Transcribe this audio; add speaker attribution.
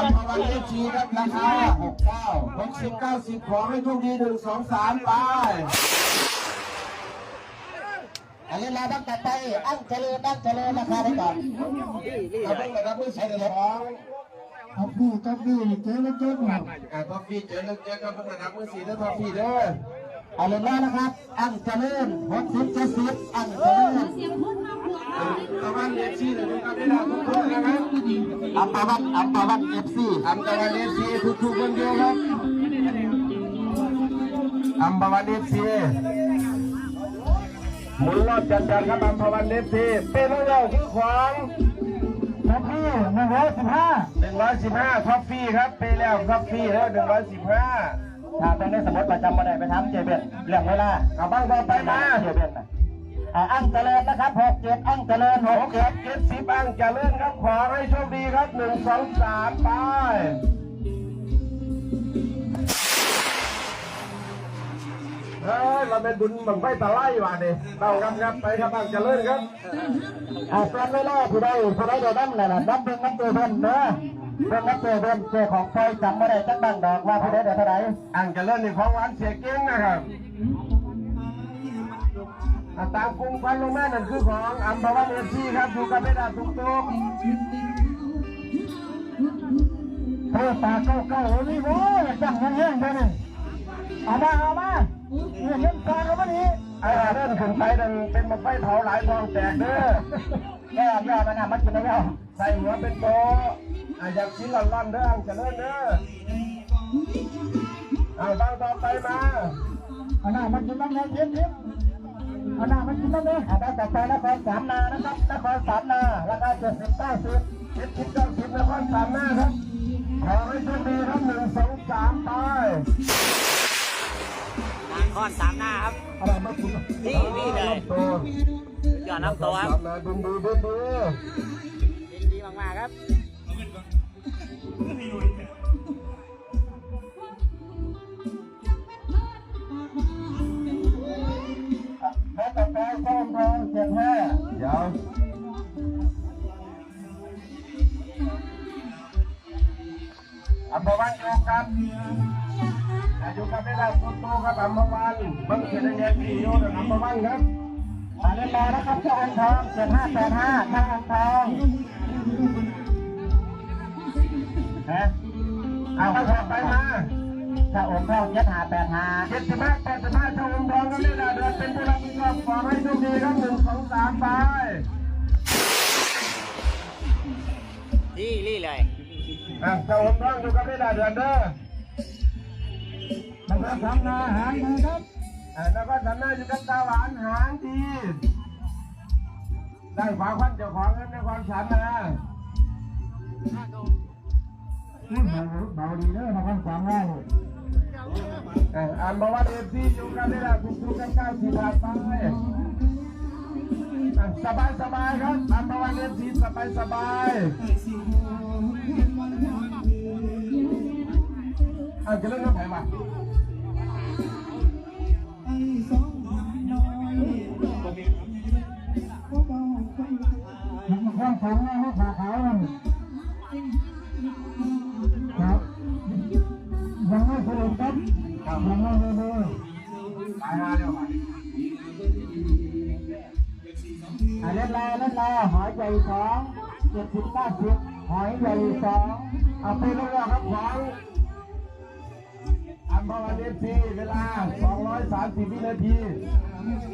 Speaker 1: อัมพวันเลขชีครับราคา69 60 90ขอให้โชคดี1 2 3ไป
Speaker 2: อันนี้เราต้องตัดไปอั้งเจริญราคาได้ก่อน
Speaker 1: เอาเพิ่งมารับมือใช้ในท้อง
Speaker 3: ท็อปปี้เจ๊เล็กๆหน่อย
Speaker 1: ท็อปปี้เจอเลิกเจอครับเพิ่งมารับมือ4แล้วท็อปปี้เด้อ
Speaker 2: เอาเลยแล้วนะครับอั้งเจริญ60 70อั้งเจริญ
Speaker 1: ตะวันเลขชีเลยนะครับได้ดาวทุกคนนะครับ
Speaker 2: อัมพวันเอฟซี
Speaker 1: อัมพวันเลขชีทุกคนเดียวครับอัมพวันเลขชีหมุนรอบจัดครับอัมพวันเลขชีเป็นเรื่องคือขวาง
Speaker 3: ท็อปปี้
Speaker 1: 115ท็อปฟี่ครับไปแล้วท็อปฟี่แล้ว115
Speaker 2: ถ้าเป็นในสมุดประจำมาได้ไปทำเจเบนเรื่องเวลา
Speaker 1: เอาบ้างต่อไปมา
Speaker 2: เจเบนนะอั้งเจริญนะครับ67อั้งเจริญ
Speaker 1: 60 70อั้งเจริญครับขอให้โชคดีครับ1 2 3ไปเฮ้ยเราเป็นบุญบังไฟตะไลว่ะนี่เราครับไปครับอั้งเจริญครับ
Speaker 2: เป็นเวลาผู้ใดเดินนั่งเลยนะนับเป็นนับเจเบนเนอะเป็นนับเจเบนเจของไฟจำไม่ได้จักบ้างดอกว่าผู้ใดเดินเท่าไหร่
Speaker 1: อั้งเจริญนี่ของหวานเสียเก่งนะครับตามกรุงพันลงแม่นั่นคือของอัมพวันเอฟซีครับอยู่กับไม่ได้ทุก
Speaker 3: เฮ้ยตาเก้านี่โว้ยจังแห้งๆไปนี่เอามาเงินการแล้วมันนี่
Speaker 1: ไอ้เรื่องขึ้นไปนั่นเป็นบังไฟเผาหลายทองแตกเด้
Speaker 2: อย่ามันมันกินแล้ว
Speaker 1: ใส่หัวเป็นโตอยากกินร้อนๆเด้ออังเจริญเด้อเอาบ้างต่อไปมา
Speaker 3: เอาหน้ามันกินบ้างนะเย็นเอาหน้ามันกินบ้างเลย
Speaker 2: ได้ต่อไปนครสามนานะครับนครสามนาราคา70 90
Speaker 1: 70 90นครสามนาครับขอให้โชคดีครับ1 2 3ไป
Speaker 4: นครสามนาครับนี่เลยยอดน้ำโตครับ
Speaker 1: ดึง
Speaker 4: ดีมากๆครับ
Speaker 2: แล้วต่อไปส้มทอง75
Speaker 1: เดี๋ยวอัมพวันอยู่กันไม่ได้โตครับอัมพวันมันเกิดอะไรขึ้นอยู่กับอัมพวันครับ
Speaker 2: เล่นแล้วนะครับเจ้าอังทอง7585ทางอังทอง
Speaker 1: เอาไปมา
Speaker 2: ถ้าองค์ทอง7585
Speaker 1: 75 85ถ้าองค์ทองก็ไม่ได้เดินเป็นผู้รับผิดชอบขอให้โชคดีครับ1 2 3ไป
Speaker 4: นี่เลย
Speaker 1: ถ้าองค์ทองอยู่กับไม่ได้เดินเด้อ
Speaker 3: มันก็ทำนาหางนะครับ
Speaker 1: แล้วก็ทำหน้าอยู่กับตาหวานหางดีได้ฝาควันเจ้าของเงินในความฉันนะ
Speaker 3: เบาดีเลยนะครับความง่าย
Speaker 1: อันบอกว่าเอฟซีอยู่กันได้ละทุกๆกัน90 บาทไปสบายครับอันบอกว่าเอฟซีสบายจะเล่นน้ำแข็งป่ะ
Speaker 3: มันข้างสูงนะขาขาวมันครับยังไม่สรุปครับยังไม่เลย
Speaker 1: ไปมาเร็วมา
Speaker 2: เล่นแล้วหอยใหญ่2 70 90หอยใหญ่2
Speaker 1: เอาไปลงแล้วครับของอัมพวันเอฟซีเวลา230 วินาที